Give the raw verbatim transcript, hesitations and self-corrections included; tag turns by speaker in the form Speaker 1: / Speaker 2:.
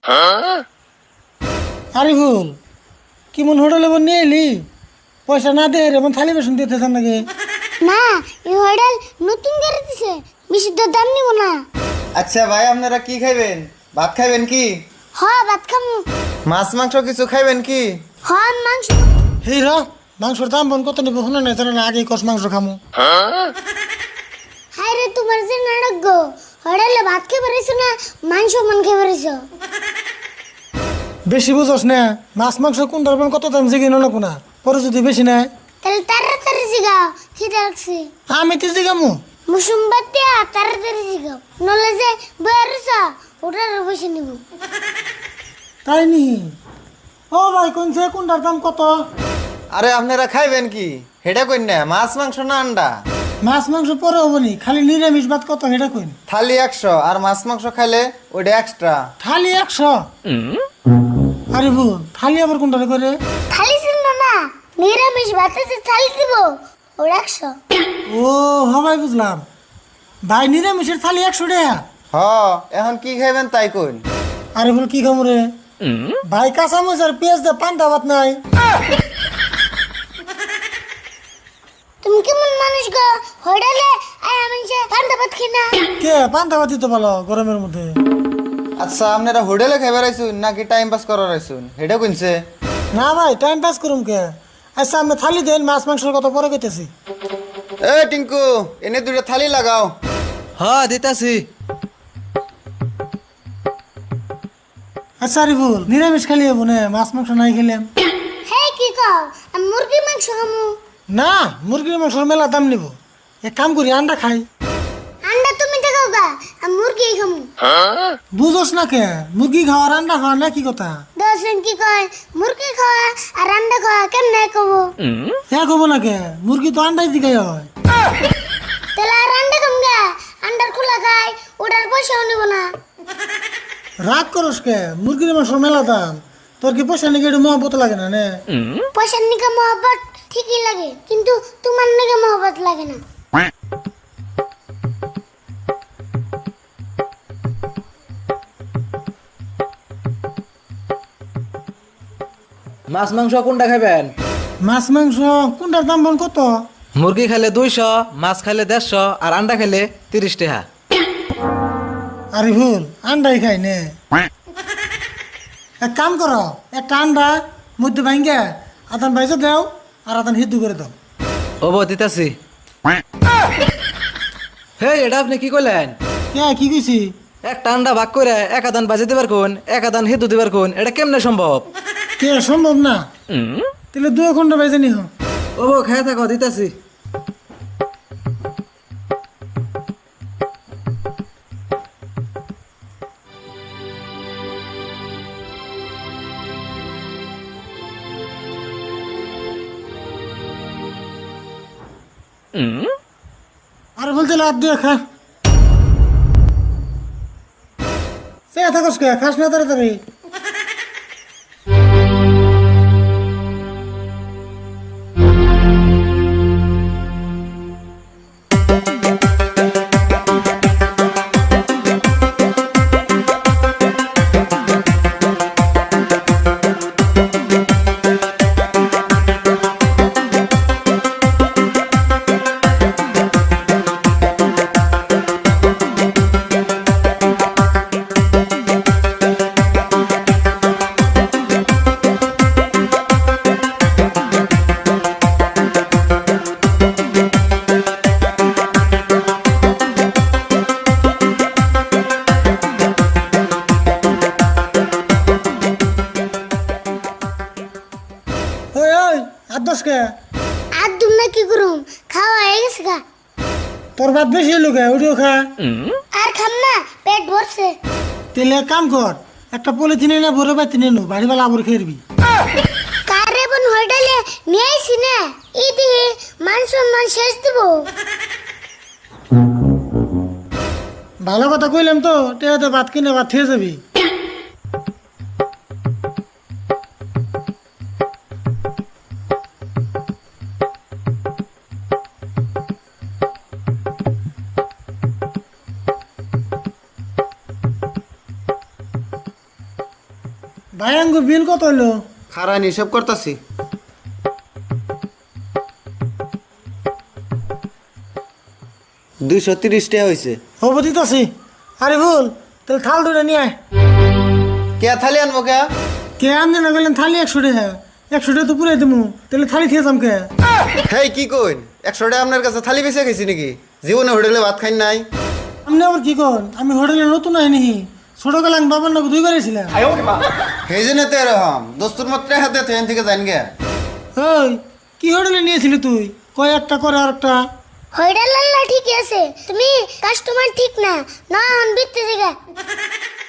Speaker 1: আরে ভুল কি মন হোটেলে বন নিয়ে এলি পয়সা না দে রে মন থালি বেসন দিতে থান নাকি
Speaker 2: না এই হোটেল নতুন করে দিছে বেশি তো দাম নিব না।
Speaker 3: আচ্ছা ভাই আপনারা কি খাইবেন? ভাত খাইবেন কি?
Speaker 2: হ্যাঁ ভাত খামু।
Speaker 3: মাছ মাংস কিছু খাইবেন কি?
Speaker 2: হ্যাঁ মাংস।
Speaker 1: হেই র মাংসর দাম বন কত নিব শুনে নাই জানা না আগে কষ মাংস খামু।
Speaker 2: হায় রে তোমার যে নাটক গো হোটেলে ভাত খেয়ে বেরিয়েছো না মাংস মন খেয়ে বেরিয়েছো।
Speaker 1: বেশি বুঝোস না মাছ মাংস কোনটার বন কত দাম জিগে না কোনা পরে যদি বেশি নাই
Speaker 2: তাহলে তাড়াতাড়ি জিগাও খিদে লাগছে।
Speaker 1: আমি তো জিগামু
Speaker 2: মুসুমবাতিয়া তাড়াতাড়ি জিগাও নলে যে বেরিয়েছো ওটার বসে নিব।
Speaker 1: তাই নি ও ভাই কোনছে কোনটার দাম কত?
Speaker 3: আরে আপনারা খাইবেন কি হেডা কইন না মাছ মাংস না আন্ডা?
Speaker 1: মাছ মাংস পরে হবনি খালি নিরামিষ ভাত কত সেটা কইন।
Speaker 3: থালি একশো আর মাছ মাংস খাইলে ওইটা এক্সট্রা।
Speaker 1: থালি একশো? আরে ভুল থালি আবার কোনটারে করে?
Speaker 2: থালি ছিল না নিরামিষ ভাতে যে থালি দিব ওটা একশো।
Speaker 1: ও হবাই বুঝলাম ভাই নিরামিষের থালি একশো টাকা।
Speaker 3: হ এখন কি খাইবেন তাই কইন।
Speaker 1: আরে বল কি খামু রে ভাই কাঁচামরিচ আর পেঁয়াজ দে পান্তা ভাত নাই।
Speaker 2: তুমি কেমন মানুষ গো হোটেলে আয় আমি যে পান্তা ভাত খাই না।
Speaker 1: কে পান্তা ভাত দিতে ভালো গরমের মধ্যে?
Speaker 3: আচ্ছা আপনারা হোটেলে খাইবার আইসুন নাকি টাইম পাস করার আইসুন হেডা কইনছে?
Speaker 1: না ভাই টাইম পাস করুম কে। আচ্ছা আমি থালি দেন মাছ মাংসের কথা পরে কইতেছি।
Speaker 3: এ টিঙ্কু এনে দুইটা থালি লাগাও।
Speaker 4: হ্যাঁ দিতাছি।
Speaker 1: আচ্ছা আরে ভুল নিরামিষ খালি হবো না মাছ মাংস নাই খেলাম।
Speaker 2: হে কি কও আমি মুরগি মাংস খামু।
Speaker 1: না মুরগির মাংসের মেলা দাম নিব এক কাম করি আন্ডা খাই।
Speaker 2: আন্ডা তুমি দেখাও গা আমি মুরগি খামু।
Speaker 1: বুঝোস না কে মুরগি খাওয়ার আন্ডা খাওয়ার না কি কথা?
Speaker 2: দশজন কি কয় মুরগি খাওয়া আর আন্ডা খাওয়া কেমনে কব?
Speaker 1: হ্যাঁ কব না কে মুরগি তো আন্ডাই দিকাই হয়।
Speaker 2: তাহলে আর আন্ডা খাম গা আন্ডার খোলা খাই ওটার পয়সাও নিব না।
Speaker 1: রাগ করস কে মুরগির মাংসের মেলা দাম তোর কি পয়সা নাকি একটু মহব্বত লাগে না নে?
Speaker 2: পয়সার নিকে মহব্বত ঠিকই লাগে কিন্তু তোমার নিকে মহব্বত লাগে না।
Speaker 4: মাছ মাংস কোনটা খাবেন?
Speaker 1: মাছ মাংস কোনটার দাম বল কত?
Speaker 4: মুরগি খাইলে দুইশো, মাছ খাইলে দেড়শো আর আন্ডা খাইলে তিরিশ টাকা।
Speaker 1: আরে ভুল আন্ডাই খাই নে। এক কাম করো একটা আন্ডা মধ্যে ভাঙ্গে আদান বাইজে দাও আর আদান হিদ্দু করে দাও।
Speaker 4: ওবো দিতাছি। হে এটা আপনি কি কইলেন?
Speaker 1: কে কি কইছি?
Speaker 4: একটা আন্ডা ভাগ করে এক আদান বাজে দিবার কোন এক আদান হিদু দিবার কোন এটা কেমনে সম্ভব?
Speaker 1: কে সম্ভব না তাহলে দু ঘন্টা বাইজে নিহ।
Speaker 4: ওবো খাই থাকো দিতাছি।
Speaker 1: আর বলতে লাভ দিয়ে খা সে থাকস কে খাস না তাড়াতাড়ি। ওই ওই আর দশ কে
Speaker 2: আর দুম না কি করুম খাওয়া হয়ে গেছে গা।
Speaker 1: তোর ভাত বেশি হলো কে ওটিও খা।
Speaker 2: আর খাম না পেট ভরছে।
Speaker 1: তেলে এক কাম কর একটা পলিথিনে না ভরে বা তিনে নো বাড়ি বেলা আবর খেয়ে
Speaker 2: কারে বোন হোটেলে নিয়ে আইছি না ইদি মান সম্মান শেষ দিব।
Speaker 1: ভালো কথা কইলাম তো টেহাতে ভাত কিনে ভাত খেয়ে যাবি। ভাই আঙ্গু বিল কত হইলো?
Speaker 3: খারান হিসাব করতেছি। দুইশো তিরিশ টাকা হয়েছে।
Speaker 1: হবো দিতাছি। আরে ভুল, তাহলে থাল দুটো নিয়ে আয়।
Speaker 3: কে থালি আনবো কে?
Speaker 1: কে আনতে না গেলেন থালি একশো টাকা, একশো টাকা তো পুরাই দেবো, তাহলে থালি খেয়ে যাম কে?
Speaker 3: হেই কি কইন, একশো টাকা আপনার কাছে থালি বেঁচে গেছি নাকি? জীবনে হোটেলে ভাত খাই নাই।
Speaker 1: আপনি আবার কি কন? আমি হোটেলে নতুন আইনি, ছোটবেলা আমি বাবার নাকি দুইবার ছিলাম।
Speaker 3: সেই জন্য তো এরকম দোস্তুর মাত্র হাতে ট্রেন থেকে যান গে।
Speaker 1: ওই কি হোটেলে নিয়েছিলি তুই? কয় একটা করে আর একটা।
Speaker 2: হইডাল আল্লাহ ঠিক আছে, তুমি কাস্টমার ঠিক না, না হন বিত্তে জায়গা।